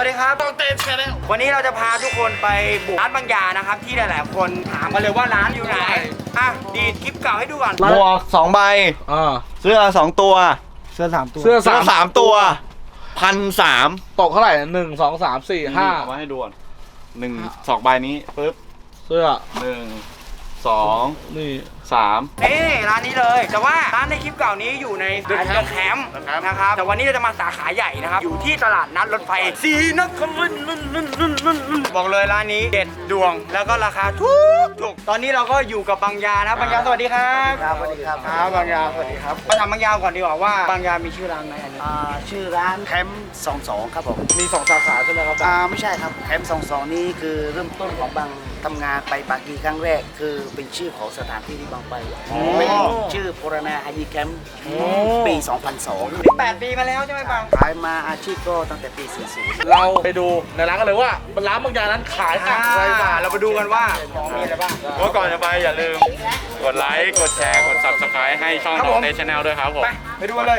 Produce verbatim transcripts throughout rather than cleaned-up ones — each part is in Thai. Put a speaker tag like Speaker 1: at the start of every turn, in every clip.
Speaker 1: วัสดีครับต้องเต้นแชร์แล้ววันนี้เราจะพาทุกคนไปบุกร้านบางยานะครับที่หลายๆคนถามมาเลยว่าร้านอยู่ไหนอ่ะดีดคลิปเก่าให้ดูก่อน
Speaker 2: หมวกสองใบเสื้อสองตัว
Speaker 3: เสื้อสามตัว
Speaker 2: เสื้อสามตัวพันสาม
Speaker 4: ตกเท่าไหร่หนึ่งสองสามสี่ห้า
Speaker 2: เอามาให้ดูก่อนหนึ่งสองใบนี้ปึ๊บ
Speaker 4: เสื้อ
Speaker 2: หนึ่งสอง
Speaker 4: นี่
Speaker 2: สาม
Speaker 1: นี่ร้านนี้เลยแต่ว่าร้านในคลิปเก่านี้อยู่ในเดอะแคมป์นะครับแต่วันนี้เราจะมาสาขาใหญ่นะครับอยู่ที่ตลาดนัดรถไฟศรีนครินทร์บอกเลยร้านนี้เด็ดดวงแล้วก็ราคาถูกถูกตอนนี้เราก็อยู่กับบางยานะบางยาสวัสดีครับ
Speaker 3: ครับสวัสดีครับ
Speaker 1: ครับบางยาสวัสดีครับมาถามบางยาก่อนดีกว่าว่าบางยามีชื่อร้านไหมอันนี้
Speaker 3: ชื่อร้านแคมป์สองสองครับผม
Speaker 1: มีสองสาขาใช่ไหมครับ
Speaker 3: อ่าไม่ใช่ครับแคมป์สองสองนี้คือเริ่มต้นของบางทำงานไปปากีครั้งแรกคือเป็นชื่อของสถานที่ที่บางไปเป็นชื่อโพรนาฮายีแคมป์ปีสองพันสอง
Speaker 1: แปดปีมาแล้วใช่ไหมบาง
Speaker 3: ขายมาอาชีพก็ตั้งแต่ปีสี่สิบ
Speaker 4: เราไปดูในร้านกันเลยว่าร้านบางอย่างนั้นขายอะไรบ้าง
Speaker 1: เราไปดูกันว่าของมีอะไรบ้าง
Speaker 2: ก็ก่อนจะไปอย่าลืมกดไลค์กดแชร์กด ซับสไครบ์ ให้ช่องของเนชั่นแนลด้วยครับผม
Speaker 1: ไปไปดูกันเลย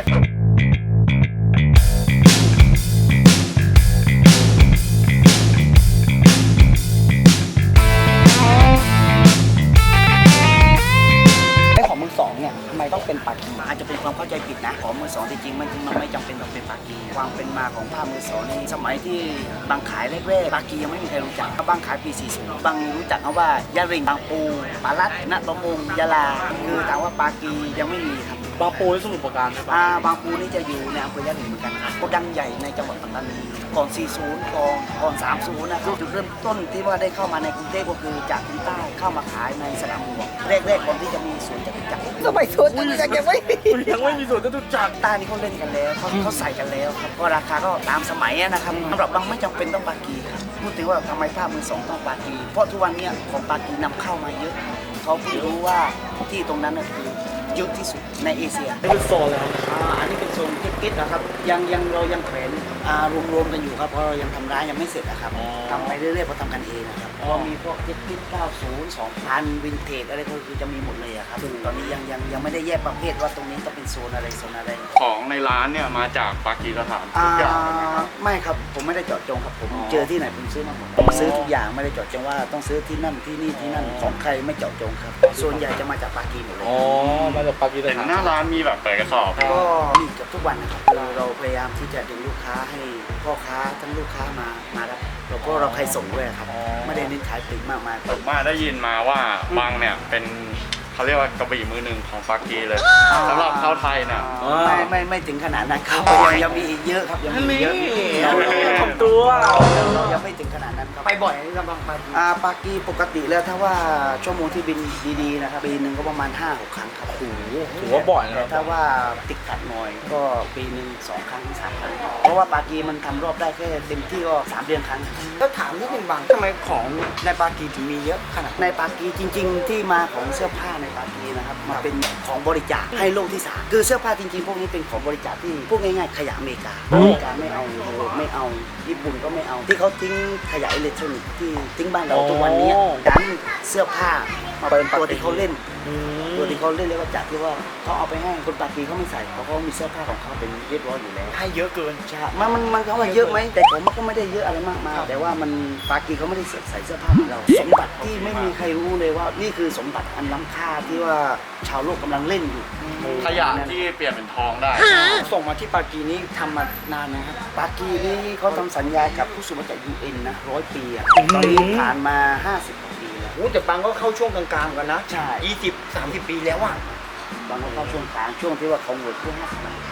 Speaker 3: ต้องเป็นปากีอาจจะเป็นความเข้าใจผิดนะของมือสองจริงๆมันมันไม่จำเป็นต้องเป็นปากีความเป็นมาของผ้ามือสองในสมัยที่บางขายแรกๆปากียังไม่มีใครรู้จักบางขายปีสี่สิบบางรู้จักเขาว่ายาริงบางปูปาลัดณตะมงยาลาคือถามว่าปากียังไม่มีครับ
Speaker 4: บางปูที่สมุทรปราการใช่ปะ
Speaker 3: อ่าบางปูนี่จะอยู่ในอำเภอยะริงเหมือนกันครับโกดังใหญ่ในจังหวัดปัตตานีก่อนสี่สิบก่อนก่อนสามสิบนะครับจุดเริ่มต้นที่ว่าได้เข้ามาในกรุงเทพก็คือจากที่ใต้เข้ามาขายในสนามหลวงแรกๆก่อนที่จะมีสวนจตุจักรสมัยสวนจตุจักรยังไม่
Speaker 4: ยังไม่มีสวนจตุจักร
Speaker 3: ใต้นี่เขาเล่นกันแล้วเขาเขาใส่กันแล้วครับก็ราคาก็ตามสมัยนะครับสำหรับบางไม่จำเป็นต้องปากีครับพูดถึงว่าทำไมผ้ามือสองต้องปากีเพราะทุกวันนี้ของปากีนำเข้ามาเยอะเขาเพิ่งรู้ว่าที่ตรงนั้นคือเยอะที่สุดในเอเชีย
Speaker 4: เป็นโซนแล้ว
Speaker 3: อันนี้เป็นโซนกิ๊กๆนะครับยังยังเรายังแขวนรวมๆกันอยู่ครับเพราะเรายังทำร้านยังไม่เสร็จนะครับทำไปเรื่อยๆเพราะทำกันเองนะครับเพราะมีพวกกิ๊กๆเก้าสิบ สองพันวินเทจอะไรก็คือจะมีหมดเลยครับตอนนี้ยังยังยังไม่ได้แยกประเภทว่าตรงนี้ต้องเป็นโซนอะไรโซนอะไร
Speaker 2: ของในร้านเนี่ยมาจากปากีสถาน
Speaker 3: ทุกอย่างไม่ครับผมไม่ได้เจาะจงครับผมเจอที่ไหนผมซื้อมาหมดผมซื้อทุกอย่างไม่ได้เจาะจงว่าต้องซื้อที่นั่นที่นี่ที่นั่นของใครไม่เจาะจงครับส่วนใหญ่จะมาจากปากีหมดเลย
Speaker 4: อ๋อมาจากปากีสถาน
Speaker 2: หน้าร้านมีแบบเปิดกระสอบ
Speaker 3: ก็มีกับทุกวันนะครับเราเราพยายามที่จะดึงลูกค้าให้พ่อค้าทั้งลูกค้ามามารับแล้วก็เราใครส่งด้วยครับไม่ได้เน้นขายปลีกมากมาย
Speaker 2: ผมมาได้ยินมาว่าบางเนี่ยเป็นเขาเรียกว่ากระบี่มือหนึ่งของปากีเลยสำหรับชาวไทยเนี่ย
Speaker 3: ไม่ไม่ไม่ถึงขนาดนั้นครับยังยังมีอีกเยอะครับยังมีเยอะ
Speaker 4: ทำตัว
Speaker 3: ยังไม่ถึงขนาดนั้นครับ
Speaker 1: ไปบ่อยนี่ครับบางปากี
Speaker 3: ปากีปกติแล้วถ้าว่าชั่วโมงที่บินดีๆนะครับปีหนึ่งก็ประมาณ ห้าหก ครั้งครับโอ้โห
Speaker 4: ถือว่าบ่อยนะ
Speaker 3: ถ้าว่าติดขัดหน่อยก็ปีหนึ่งสองครั้งสามครั้งเพราะว่าปากีมันทำรอบได้แค่เต็มที่ก็สามเดือนครั้ง
Speaker 1: แล้วถามนิดนึงบางทำไมของในปากีถึงมีเยอะขนาด
Speaker 3: ในปากีจริงๆที่มาของเสื้อผ้าในปากีนะครับมาเป็นของบริจาคให้โลกที่สามคือเสื้อผ้าจริงๆพวกนี้เป็นของบริจาคที่พวกง่ายๆขยะอเมริกาอเมริกาไม่เอาไม่เอาญี่ปุ่นก็ไม่เอาที่เขาทิ้งขยะอิเล็กทรอนิกส์ที่ทิ้งบ้านเราทุกวันนี้ดันเสื้อผ้ามาเป็นตัวที่เขาเล่นตัวที่เขาเล่นเรียกว่าจัดที่ว่าเขาเอาไปให้คนปากีเขาไม่ใส่เพราะเขามีเสื้อผ้าของเขาเป็นเรียบร้อยอยู่แล้ว
Speaker 1: ให้เยอะเกิน
Speaker 3: ใช่มันมันมันเขาว่าเยอะไหมแต่ผมก็ไม่ได้เยอะอะไรมากมายแต่ว่ามันปากีเขาไม่ได้ใส่เสื้อผ้าเหมือนเราสมบัติที่ไม่มีใครรู้เลยว่านี่คือสมบัติอันล้ำค่าที่ว่าชาวโลกกำลังเล่นอยู่
Speaker 2: ขยะที่เปลี่ยนเป็นทองได้
Speaker 1: ส่งมาที่ปากีนี้ทำมานานนะครับ
Speaker 3: ปากีนี่เขาทำสัญญากับผู้สูงอายุจาก ยู เอ็น นะร้อยปีอ่ะตอนนี้ผ่านมาห้าสิบกว่าปีแล้ว
Speaker 1: โอ้แต่บางก็เข้าช่วงกลางๆกันนะ
Speaker 3: ใช่
Speaker 1: ยี่สิบ สามสิบปีแล้วอ่ะ
Speaker 3: บางก็เข้าช่วงกลางช่วงที่ว่าเขาหมดเพื่อห้าสิบบาท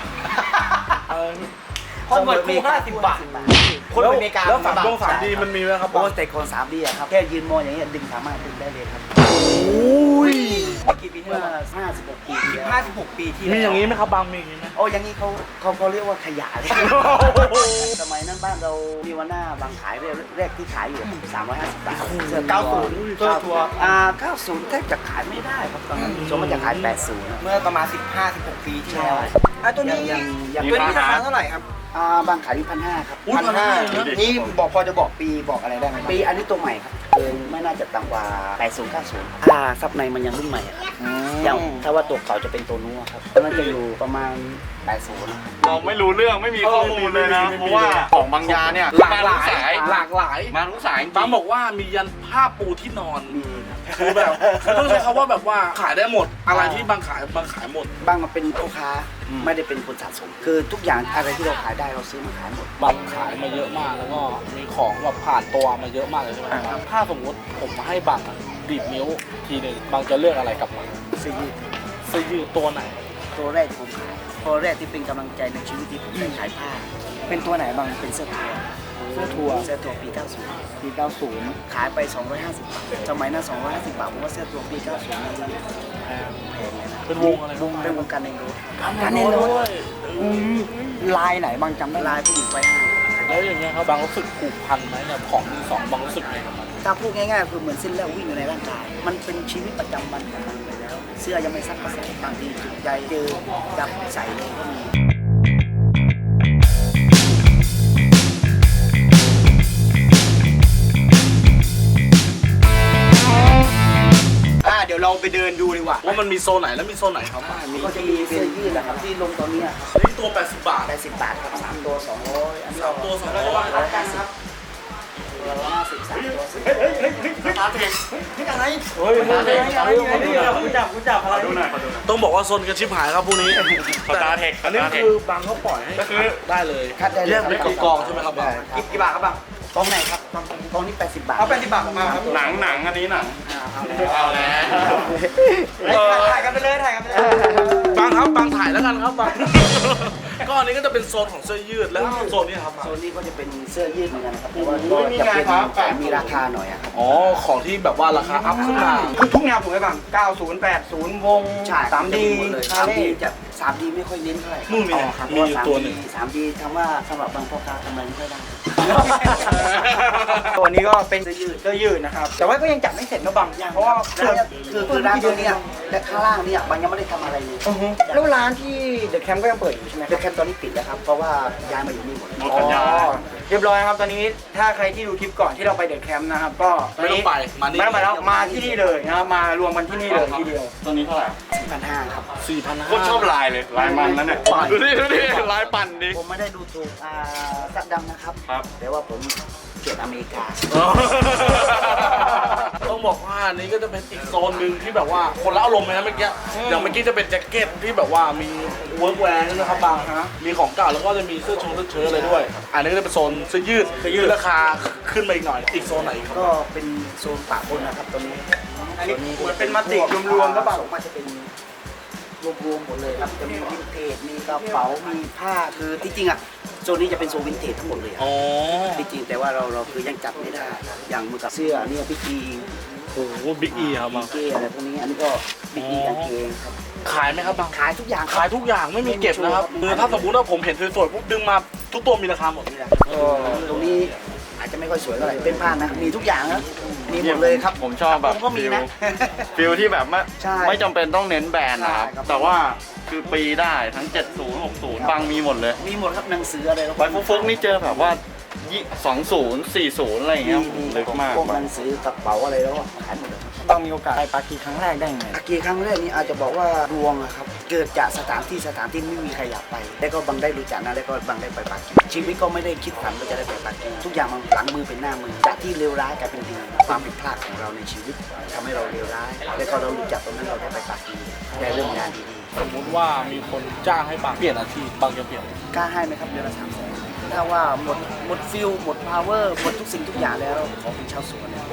Speaker 1: คนหมดเพื่อห้าสิบบาทคนอเมริกา
Speaker 4: แล้วสามดวงสามดีมันมีไหมครับ
Speaker 3: โอ้แต่คนสามดีอะครับแค่ยืนมองอย่างเงี้ยดึงสามารถดึงได้เลยครับ
Speaker 1: โอ้ยกี่ปีที่แล้ว
Speaker 3: ห้าสิบหกปี
Speaker 1: ห้าสิบหกปีที่
Speaker 4: มีอย่างนี้ไหมครับบางมีอย่างนี้ไหม
Speaker 3: โอ้อย่างนี้เขาเขาเขาเรียกว่าขยะเลยสมัยนั้นบ้านเรามีวันหน้าบางขายแรกที่ขายอยู่สามร้อยห้าสิบบาท
Speaker 1: เสื้อเก้าสิบเสื้อทัวร์
Speaker 3: อ่าเก้าสิบแทบจะขายไม่ได้ครับตอนนั้นส่วนมันจะขายแปดสิบ
Speaker 1: เมื่อประมาณสิบห้า สิบหกปีที่แล้วอ่ะตัวนี้ยังยังตัวนี้ราคาเท่าไหร่ครับ
Speaker 3: อ่าบางขายอยู่พันห้าครับ
Speaker 1: พันห้านี่บอกพอจะบอกปีบอกอะไรได้ไหม
Speaker 3: ปีอันนี้ตัวใหม่ครับเกินไม่น่าจะต่ำกว่าแปดสิบ เก้าสิบอ่าซับในมันยังรุ่นใหม่อย่างถ้าว่าตัวเก่าจะเป็นตัวนู้นครับมันจะอยู่ประมาณแปดสิบนะครับ
Speaker 2: เราไม่รู้เรื่องไม่มีข้อมูลเลยนะเพราะว่าของบางยาเนี่ย
Speaker 4: หลากหลาย
Speaker 2: มทุสาย
Speaker 4: หลากหลาย
Speaker 2: มาทุกสายจริง
Speaker 4: บางบอกว่ามียันผ้าปูที่นอน
Speaker 3: มีครับ
Speaker 4: คือแบบคือต้องใช้คำว่าแบบว่าขายได้หมดอะไรที่บางขายบางขายหมด
Speaker 3: บางมาเป็นลูกค้าไม่ได้เป็นคนสะสม คือทุกอย่างอะไรที่เราขายได้เราซื้อมาขายหมด
Speaker 4: บางขายมาเยอะมากแล้วก็มีของแบบผ่านตัวมาเยอะมากเลยใช่ไหมครับถ้าสมมติผมมาให้บางอะดีดนิ้วทีหนึ่งบางจะเลือกอะไรกลับมา
Speaker 3: ซื้อยืด
Speaker 4: เสื้อยืดตัวไหน
Speaker 3: ตัวแรกที่ผมขายตัวแรกที่เป็นกำลังใจในชีวิตที่ผมได้ขายผ้า เป็นตัวไหนบางเป็นเสื้อทัวร์
Speaker 4: เสื้อทัวร์
Speaker 3: เสื้อทัวร์ปีเก้าสิบ
Speaker 4: ปีเก้าสิบ
Speaker 3: ขายไปสองร้อยห้าสิบบาทสมัยนั้นสองร้อยห้าสิบบาทผมว่าเสื้อทัวร์ปีเก้าสิบนี่แพงเลยนะ
Speaker 4: เป็นวงอะไร
Speaker 3: วงเป็นวงการในรถ
Speaker 4: การเน้นรถ
Speaker 3: ลายไหนบางจำได้ลายผู้หญิงไว้ให้
Speaker 4: แล้วอย่างเงี้ยครับบางรู้สึกผูกพันไหมเนี่ยของมือสองบางรู้สึกไงกับมัน
Speaker 3: ถ้าพูดง่ายๆคือเหมือนเส้นเลือดวิ่งอยู่ในร่างกาย มันเป็นชีวิตประจำวันของมันไปแล้ว เสื้อยังไม่ซักก็ใส่บางทีจุดใจเจอจับใส่เลยก็มี
Speaker 1: อ่าเดี๋ยวเราไปเดินดูดีกว่า
Speaker 4: ว่ามันมีโซนไหนแล้วมีโซนไหนครับ
Speaker 3: ก็จะมีเสื้อยืดนะครับที่ลงตอนนี้ครับ
Speaker 4: นี่ตัวแปดสิบบาท
Speaker 3: แปดสิบบาทครับสามตัวสองร้อยอันนี้
Speaker 4: สามตัวสองร้อย
Speaker 3: ร้อยห้าสิบตัวละห้าสิบสามตัวสิบ
Speaker 2: ตาเทค
Speaker 3: อะไร
Speaker 4: เฮ้ย
Speaker 2: ตาเทค
Speaker 1: กูจับกูจับอะไร
Speaker 2: ดูหน่อยขอดูหน่อย
Speaker 4: ต้องบอกว่าโซนกันชิบหายครับพวกนี้
Speaker 2: สตาร์เทค
Speaker 4: อันนี้
Speaker 2: สตาร์เทค
Speaker 4: คือบางเขาปล่อยให้
Speaker 2: ก็คือ
Speaker 4: ได้เลย
Speaker 3: คัดได้เลย
Speaker 4: เรียกเป็นกองๆใช่ไหมครับบาง
Speaker 1: กี่กี่บาทครับบัง
Speaker 3: กองไหนครับกองนี้แปดสิบบาท
Speaker 1: เอาแปดสิบบาทมาครับ
Speaker 2: หนังหนังอันนี้หนัง
Speaker 3: เอาแล้ว
Speaker 2: เอาแล้ว
Speaker 1: ถ่ายกันไปเลยถ่ายกันไปเลย
Speaker 4: บางครับบางถ่ายแล้วกันครับบาง ก็อันนี้ก็จะเป็นโซนของเสื้อยืดแล้วโซนนี้ครับ
Speaker 3: โซนนี้ก็จะเป็นเสื้อยืดเหมือนกันครับแต่ว่าก็จะเป็นมีราคาหน่อยอะครับ
Speaker 4: อ๋อของที่แบบว่าราคาอัพขึ้นมา
Speaker 1: คือทุกแนวถูกไหมบังเก้าสิบ แปดสิบวง
Speaker 3: ใช่
Speaker 1: สามดี
Speaker 3: สามดีจะสามดีไม่ค่อยเน้นเท่าไหร่
Speaker 4: นู่นมี
Speaker 3: อ๋อครับ
Speaker 4: มีอยู่ตัวหนึ่ง
Speaker 3: สามดีทำว่าสำหรับบางพ่อค้าทำอะไรไม่ค่อยได้
Speaker 1: ตัวนี้ก็เป็นเสื้อยืดเสื้อยืดนะครับ แต่ว่าก็ยังจับไม่เสร็จนะบังเพราะว่า
Speaker 3: คือคือคือร้านตัวเนี้ยและข้างล่างเนี่ยบางยังไม่ได้ทำอะไรเลย
Speaker 1: อือฮึแล้วร้านที่เดอะแคมป์ก็ยังเปิดอยู่ใช่ไหมค
Speaker 3: เด
Speaker 1: รับ
Speaker 3: อะแคมป์ตอนนี้ปิดแล้วครับเพราะว่าย้ายมาอยู่นี่หมด
Speaker 2: หมดสัญญา
Speaker 1: อ๋อเรียบร้อยครับตอนนี้ถ้าใครที่ดูคลิปก่อนที่เราไปเดอะแคมป์นะครับก็ตอน
Speaker 4: ไม่ต้อ
Speaker 1: นี้
Speaker 4: งไปมานี่
Speaker 1: ไม่ต้องไปแล้วมาที่นี่เลยนะครับมารวมกันที่นี่เลยทีเดียว
Speaker 2: ตัวนี้เท่าไหร่
Speaker 3: สี่พันห้าครับ
Speaker 4: สี่พันห้า
Speaker 2: โคตรชอบลายเลยลายมันแล้วเนี่ยดูดิดูดิลายปั่นดิ
Speaker 3: ผมไม่ได้ดูถูกอ่าสัตว์ดำนะครับ
Speaker 2: ครับ
Speaker 3: แต่ว่าผมเกลียดอเมริกา
Speaker 4: ต้องบอกว่าอันนี้ก็จะเป็นอีกโซนหนึ่งที่แบบว่าคนละอารมณ์เลยนะเมื่อกี้อย่างเมื่อกี้จะเป็นแจ็คเก็ตที่แบบว่ามีเวิร์กแวร์นะครับบางมีของเก่าแล้วก็จะมีเสื้อชงเสื้อเชิ้ตอะไรด้วย อันนี้ก็จะเป็นโซนเสื้อยืดเสื้อยืดราคาขึ้นมาอีกหน่อยอีกโซนไหนครับ
Speaker 3: ก็เป็นโซนปะปนนะครับตอนนี้
Speaker 1: อันนี้เหมือนเป็นมัลติรวมๆแล้วเปล่า
Speaker 3: สองมาจะเป็นรวมๆหมดเลยครับจะมีวินเทจมีกระเป๋ามีผ้าคือที่จริงอ่ะโซนนี้จะเป็นโซนวินเทจทั้งหมดเลยอะ
Speaker 4: อ๋อ
Speaker 3: ที่จริงแต่ว่าเราเราคือยังจับไม่ได้ อย่างมือกับเสื้อเนี่ยพี่กี
Speaker 4: โอ้โหบิ๊กอีครับบาง
Speaker 3: เก้อะไรพวกนี้อันนี้ก็พี่กีกางเกงครับ
Speaker 4: ขายไหมครับบาง
Speaker 3: ขายทุกอย่าง
Speaker 4: ขายทุกอย่างไม่มีเก็บนะครับคือถ้าสมมติว่าผมเห็นสวยๆปุ๊บดึงมาทุกตัวมีราคาหมด
Speaker 3: นี่แหละตรงนี้อาจจะไม่ค่อยสวยเท่าไหร่เป็นผ้านะมีทุกอย่างนะมีหมดเลยครับ
Speaker 2: ผมชอบแบบ
Speaker 3: ผมก็มีนะ
Speaker 2: ฟิลที่แบบไม่
Speaker 3: ใช่
Speaker 2: ไม่จำเป็นต้องเน้นแบรนด์นะครับ
Speaker 3: ใช่ครับ
Speaker 2: แต่ว่าคือปีได้ทั้ง เจ็ดสิบ หกสิบ บางมีหมดเลย
Speaker 3: มีหมดครับหนังสืออะไรแล้ว
Speaker 2: ไว้ฟุกๆนี่เจอแบบว่ายี่สองศูนย์สี่ศูนย์อะไรอย่างเงี้ยลึกมาก
Speaker 3: พวกหนังสือกระเป๋าอะไรแล้วก็ขายหมดเลยครับ
Speaker 1: บังมีโอกาสไปปากีครั้งแรกได้ยังไง
Speaker 3: อากีครั้งแรกนี้อาจจะบอกว่าดวงอะครับเกิดจากสถานที่สถานที่ไม่มีใครอยากไป แล้วก็บังได้รู้จักนะแล้วก็บังได้ไปปากีชีวิตก็ไม่ได้คิดฝันว่าจะได้ไปปากีทุกอย่างมันหลังมือเป็นหน้ามือจากที่เลวร้ายกลายเป็นดีความผิดพลาดของเราในชีวิตทำให้เราเลวร้าย แล้วก็เรารู้จักตรงนั้นเราได้ไปปากีได้เรื่องงานดี
Speaker 4: สมมติว่ามีคนจ้างให้บางเปลี่ยนอาชีพบางจะเปลี่ยน
Speaker 3: ๆกล้าให้ไหมครับเดือนละสามแสนถ้าว่าหมดหมดฟิลหมดพาวเวอร์หมดทุกสิ่งทุกอย่างแล้วขอเป็นชาวสวนเนี่ย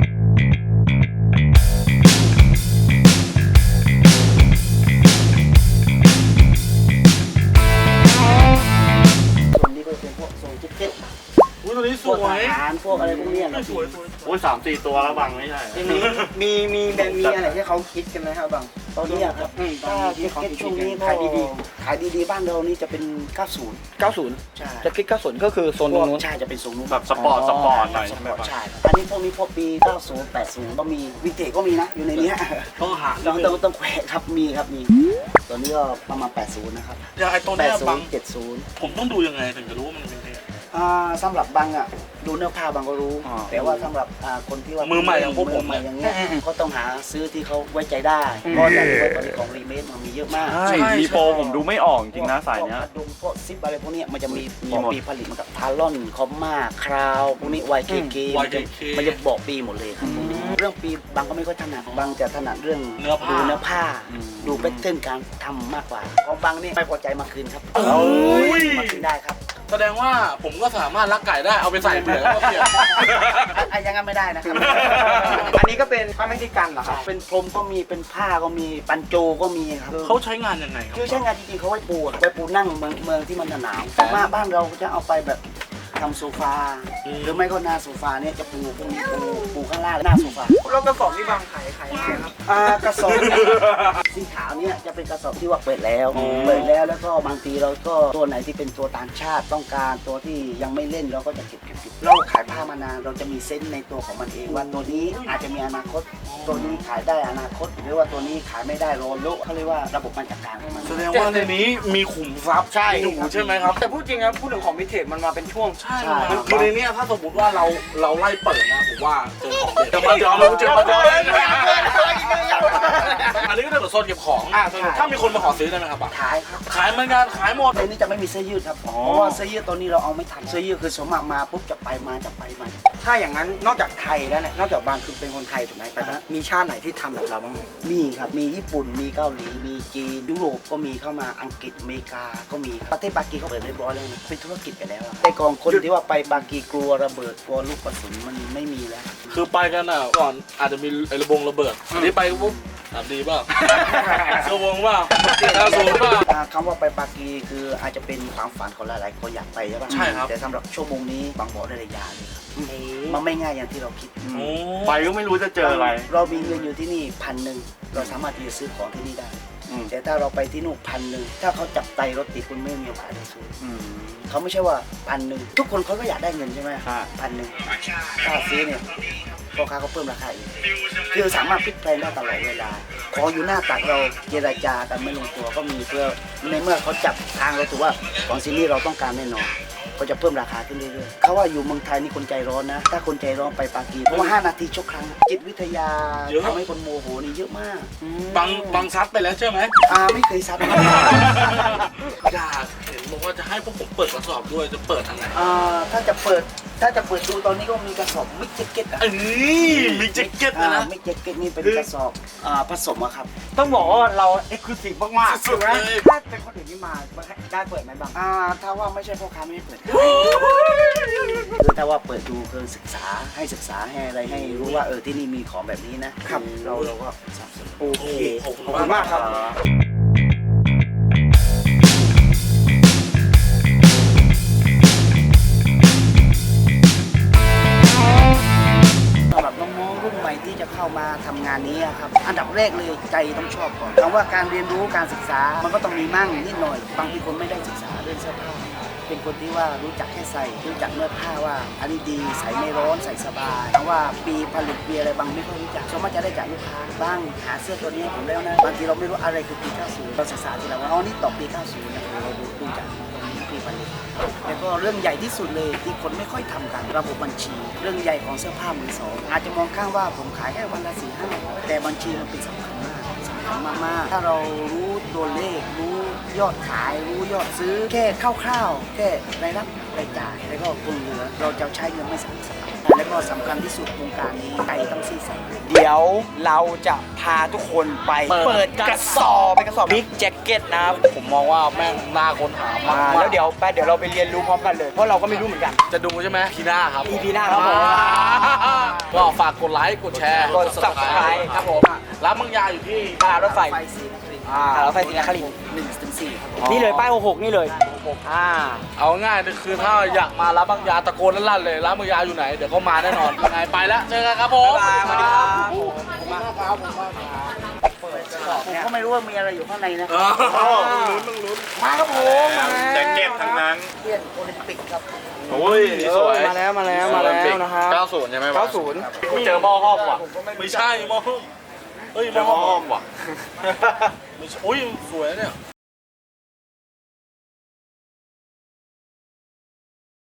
Speaker 3: ส่วนนี้ก็เป็นพวกโซนจิ๊กเก็ต
Speaker 4: อุ้ยตัวนี้ส
Speaker 3: พวก
Speaker 4: ว
Speaker 3: อาย หารพวกอะไรพวกเนี้ยครับ
Speaker 4: สวยสวย
Speaker 2: โอ้ยสามสี่ตัวแล้วบางไม่ใช่
Speaker 1: ทีนี้มีมีแบรนด์มีอะไรที่เขาคิดกันไหมครับบัง
Speaker 3: ตอนนี้อะครับ
Speaker 1: อืม
Speaker 3: ถ้า
Speaker 1: ตอนนี้
Speaker 3: จิ๊กเก็ต
Speaker 1: ที่เขา
Speaker 3: ช่วงนี้ก็
Speaker 1: ขายดี
Speaker 3: ขายดีๆบ้านเรานี่จะเป็นเก้าสิบ
Speaker 1: เก้าสิบ
Speaker 3: ใช่
Speaker 1: จะคิดเก้าสิบก็คือโซนตรงนู้น
Speaker 3: ใช่จะเป็นโซนนู้น
Speaker 2: แบบสปอร์ตสปอร์ตหน่อย
Speaker 3: ส
Speaker 2: ใช่ไห
Speaker 3: ป
Speaker 2: ม
Speaker 3: อร์ต
Speaker 2: บาง
Speaker 3: ใช่ครับอันนี้พวกนี้พวกปีเก้าสิบ แปดสิบก็มีวินเทจก็มีนะอยู่ในเนี้ย
Speaker 4: ต้องหา
Speaker 3: ต้องต้องต้องแขวะครับมีครับมีตอนนี้ก็ประมาณแปดสิบนะครับ
Speaker 4: อย่างไอ้ตัว
Speaker 3: แป
Speaker 4: เนี้
Speaker 3: ด
Speaker 4: ย
Speaker 3: สิ
Speaker 4: บาง
Speaker 3: บเจ็ดสิบ
Speaker 4: ผมต้องดูยังไงถึงจะรู้ว่ามันเป็นเท
Speaker 3: อ่าสำหรับบังอ่ะดูเนื้อผ้าบางก็รู้
Speaker 2: อ๋อ
Speaker 3: แต่ว่าสำหรับอ่าคนที่ว่า
Speaker 4: มื
Speaker 3: มื
Speaker 4: อใหม่อย่างพวกผม
Speaker 3: ใหม่
Speaker 4: เนี่ย
Speaker 3: อย่างเงี้ยก็ต้องหาซื้อที่เขาไว้ใจได้เพราะอย่างที่ตอนนี้ของรีเมคมันมีเยอะมาก
Speaker 2: ใช่มีโปรผมดูไม่ออกจริงนะสายเนี้ย
Speaker 3: พวกกระดุมพวกซิปอะไรพวกเนี้ยมันจะมี
Speaker 2: มี
Speaker 3: บอก
Speaker 2: หมด
Speaker 3: ปีผลิตมันกับทารอนคอมมาคราวพวกนี้ วาย เค เค มันจะ
Speaker 4: วาย เค เค
Speaker 3: มันจะบอกปีหมดเลยครับพวกนี้เรื่องปีบางก็ไม่ค่อยถนัดบางจะถนัดเรื่อง
Speaker 4: เนื้อผ้า
Speaker 3: ดูเนื้อผ้า ดูแพทเทิร์นการทำมากกว่าของบางนี่ไม่พอใจมาคืนครับ
Speaker 4: โอ้ย
Speaker 3: มาคืนได้ครับ
Speaker 4: แสดงว่าผมก็สามารถลักไก่ได้เอาไปใส่เปลือกแล้วก็เปลี่ยน
Speaker 3: อ่ะอยังงั้นไม่ได้นะครับ
Speaker 1: อันนี้ก็เป็นผ้าเม็กซิกันเหรอครับ
Speaker 3: เป็นพรมก็มีเป็นผ้าก็มีปันโจก็มีครับ
Speaker 4: เขาใช้งานยังไงครับ
Speaker 3: คือใช้งานจริงๆเขาไว้ปูอะไว้ปูนั่งเมืองเมืองที่มันหนาวแต่มาบ้านเราจะเอาไปแบบทำโซฟา
Speaker 4: อืม
Speaker 3: หรือไม่ก็หน้าโซฟาเนี่ยจะปูพวกนี้ปูปูข้างล่างหน้าโซฟา
Speaker 1: แล้วกระสอบที่บางขายขายยังไงครับ
Speaker 3: อ่ากระสอบสีขาวเนี่ยจะเป็นกระสอบที่ว่าเปิดแล้วเปิดแล้วแล้วก็บางทีเราก็ตัวไหนที่เป็นตัวต่างชาติต้องการตัวที่ยังไม่เล่นเราก็จะเก็บเก็บเก็บเราขายผ้ามานานเราจะมีเซนส์ในตัวของมันเองว่าตัวนี้อาจจะมีอนาคต ตัวนี้ขายได้อนาคต หรือว่าตัวนี้ขายไม่ได้รอโลเขาเรียกว่าระบบการจัดการของมัน
Speaker 4: แสดงว่าในนี้มีขุมทรัพย์
Speaker 3: ใช่
Speaker 4: อยู่ใช่ไหมครับ
Speaker 1: แต่พูดจริงนะพูดถึงของวิเทจมันมาเป็นช่วง
Speaker 4: ใช่
Speaker 3: ใช่
Speaker 4: คือคือในเนี้ยถ้าสมมติว่าเราเราไล่เปิดนะผมว่าเจอของเด็ดจะมาจอรู้จะมาจออันนี้ก็จะเป็นโซนเก็บของ
Speaker 1: อ่าโซนเก็บของ
Speaker 4: ถ้ามีคนมาขอซื้อได้ไหมครับอ่ะ
Speaker 3: ขายครับ
Speaker 4: ขายเหมือนกันขายหมด
Speaker 3: ตัวนี้จะไม่มีเสื้อยืดครับเพราะว่าเสื้อยืดตัวนี้เราเอาไม่ทันเสื้อยืดคือสมมติมาปุ๊บจะไปมาจะไปมา
Speaker 1: ถ้าอย่างนั้นนอกจากไทยแล้วเนี่ยนอกจากบางคือเป็นคนไทยถูกไหมแต่ว่ามีชาติไหนที่ทำแบบเราบ้างไหม
Speaker 3: มีครับ มีญี่ปุ่น มีเกาหลี มีจีน ยุโรปก็มีเข้ามา อังกฤษ อเมริกา ก็มี ประเทศปากีเขาเปิดเรียบร้อยแล้วนะเป็นธุรกิจไปแล้วอะแต่กองคนที่ว่าไปปากีกลัวระเบิด กลัวลูกกระสุนมันไม่มีแล้ว
Speaker 4: คือไปกันอ่ะก่อนอาจจะมีไอ้ระบงระเบิดอันนี้ไปปุ๊บถามดีเปล่าเสื้อวงเปล่าดาวสูงเปล่า
Speaker 3: อ่าคำว่าไปปากีคืออาจจะเป็นความฝันของหลายๆคนอยากไปใช่ปะ
Speaker 4: ใช่ครับ
Speaker 3: แต่สำหรับชั่วโมงนี้บางบอกได้เลยยาเลยครับมันไม่ง่ายอย่างที่เราคิด
Speaker 4: โอ้
Speaker 2: ไปก็ไม่รู้จะเจออะไร
Speaker 3: เรามีเงินอยู่ที่นี่พันหนึ่งเราสามารถที่จะซื้อของที่นี่ได้
Speaker 2: อืม
Speaker 3: แต่ถ้าเราไปที่นู่นพันหนึ่งถ้าเขาจับไตรถติดคุณไม่มีโอกาสได้ซื้อ
Speaker 2: อืม
Speaker 3: เขาไม่ใช่ว่าพันหนึ่งทุกคนเขาก็อยากได้เงินใช่ไหม
Speaker 2: ใช่
Speaker 3: พันหนึ่งถ้าซื้อเนี่ยพ่อค้าเขาเพิ่มราคาอีกคือสามารถพลิกแพลงได้ตลอดเวลาของอยู่หน้าตักเราเจรจากันไม่ลงตัวก็มีเพื่อในเมื่อเขาจับทางเราถือว่าของซีรีส์เราต้องการแน่นอนก็จะเพิ่มราคาขึ้นเรื่อยๆเขาว่าอยู่เมืองไทยนี่คนใจร้อนนะ ถ้าคนใจร้อนไปปากีเพราะว่าห้านาทีชกครั้ง จิตวิทยาทำให้คนโมโหนี่เยอะมาก
Speaker 4: บังบังซัดไปแล้วใช่ไหม
Speaker 3: อ่าไม่เคยซัด
Speaker 4: อยากเห็นบอกว่าจะให้พวกผมเปิดกระสอบด้วยจะเปิดทางไหน
Speaker 3: อ่าถ้าจะเปิดถ้าจะเปิดดูตอนนี้ก็มีกระสอบมิกแจ็คเก็ตอ่ะ
Speaker 4: เอ้ยมีแจ็คเก็ตนะนะ
Speaker 3: มิกแจ็คเก็ตนี่เป็นกระสอบอ่าผสมอะครับ
Speaker 1: ต้องบอกว่าเราเอ็กซ์คลูซีฟมากๆ
Speaker 4: สุดๆ
Speaker 1: ถูกไหม
Speaker 4: เลย
Speaker 1: ถ้าเป็นคนอื่นที่มาได้เปิดไหมบาง
Speaker 3: อ่าถ้าว่าไม่ใช่พ่อค้าไม่ให้เปิดคือถ้าว่าเปิดดูคือศึกษาให้ศึกษาให้อะไรให้รู้ว่าเออที่นี่มีของแบบนี้นะครับ เราเราก็สนับสนุน
Speaker 1: โอเค
Speaker 4: ขอบคุณ
Speaker 1: ขอบคุณมากครับ
Speaker 3: สำหรับน้องๆรุ่นใหม่ที่จะเข้ามาทำงานนี้อะครับอันดับแรกเลยใจต้องชอบก่อนคำว่าการเรียนรู้การศึกษามันก็ต้องมีมั่งนิดหน่อยบางทีคนไม่ได้ศึกษาเรื่องเสื้อผ้าเป็นคนที่ว่ารู้จักแค่ใส่รู้จักเนื้อผ้าว่าอันนี้ดีใส่ไม่ร้อนใส่สบายแต่ว่าปีผลิตปีอะไรบางไม่ค่อยรู้จักส่วนมากจะได้จากลูกค้าบ้างหาเสื้อตัวนี้ให้ผมแล้วนะบางทีเราไม่รู้อะไรคือปีเก้าสิบเราศึกษาทีหลังว่าอ๋อนี่ต่อปีเก้าสิบนะเราดูดูจากตรงนี้ปีผลิตแล้วก็เรื่องใหญ่ที่สุดเลยที่คนไม่ค่อยทำกันระบบบัญชี เรื่องใหญ่ของเสื้อผ้ามือสองอาจจะมองข้างว่าผมขายแค่วันละสี่ห้าแต่บัญชีมันเป็นสำคัญมากสำคัญมากๆถ้าเรารู้ตัวเลขรู้ยอดขายรู้ยอดซื้อแค่คร่าวๆแค่รายรับรายจ่ายแล้วก็คงเหลือเราจะใช้เงินไม่สำคัญแล้วก็สำคัญที่สุดวงการนี้ใจต้องซื่อสัตย์
Speaker 1: เดี๋ยวเราจะพาทุกคนไปเปิดกระสอบเป็นกระสอบบิ๊กแจ็คเก็ตนะครับ
Speaker 4: ผมมองว่าแม่งน่าค้นหา
Speaker 1: อ่าม
Speaker 4: าก
Speaker 1: แล้วเดี๋ยวไปเดี๋ยวเราไปเรียนรู้พร้อมกันเลย เพราะเราก็ไม่รู้เหมือนกัน
Speaker 4: จะดูใช่ไหมพีหน้าครับ
Speaker 1: อี พี หน้าครับผม
Speaker 4: ก็ฝากกดไลค์กดแชร์
Speaker 1: กด Subscribe ครับผม
Speaker 4: ร้านบางยาอยู่ที่
Speaker 1: ตลาดรถไฟ
Speaker 3: ไฟสีนครินทร์
Speaker 1: อ่าตลาดรถไฟศรีนครินทร์
Speaker 3: หนึ่งถึงสี่ครับผม
Speaker 1: นี่เลยป้ายหกหกนี่เลยอ่า
Speaker 4: เอาง่ายๆคือถ้าอยากมาร้านบางยาตะโกนลั่นๆเลยร้านบางยาอยู่ไหนเดี๋ยวก็มาแน่นอนยังไงไปแล้วเจอกันครับผม
Speaker 1: บ๊ายบายสวัสดีครับ
Speaker 4: ขอบคุณมากครับผมมากครับ
Speaker 3: ผมก็ไม่รู้ว่ามีอะไรอยู่ข้างในนะ
Speaker 4: ลุ้นมึงลุ้น
Speaker 3: มาครับผมมา
Speaker 2: แจ็คเก็ตทั้งนั้น
Speaker 3: เทียนโอลิมปิกครับ
Speaker 2: โอ้ยนี่สวย
Speaker 1: มาแล้วมาแล้วมาแล้วนะครับ
Speaker 2: เก้าสิบใช่ไหมวะ
Speaker 1: เก้าสิบ
Speaker 2: กูเจอหม้อห้อมว่ะ
Speaker 4: ไม่ใช่มอเฮ้ย
Speaker 2: เจอหม้อห้อมว่ะ
Speaker 4: ไม่ใช่อุ้ยสวยนะเนี่ย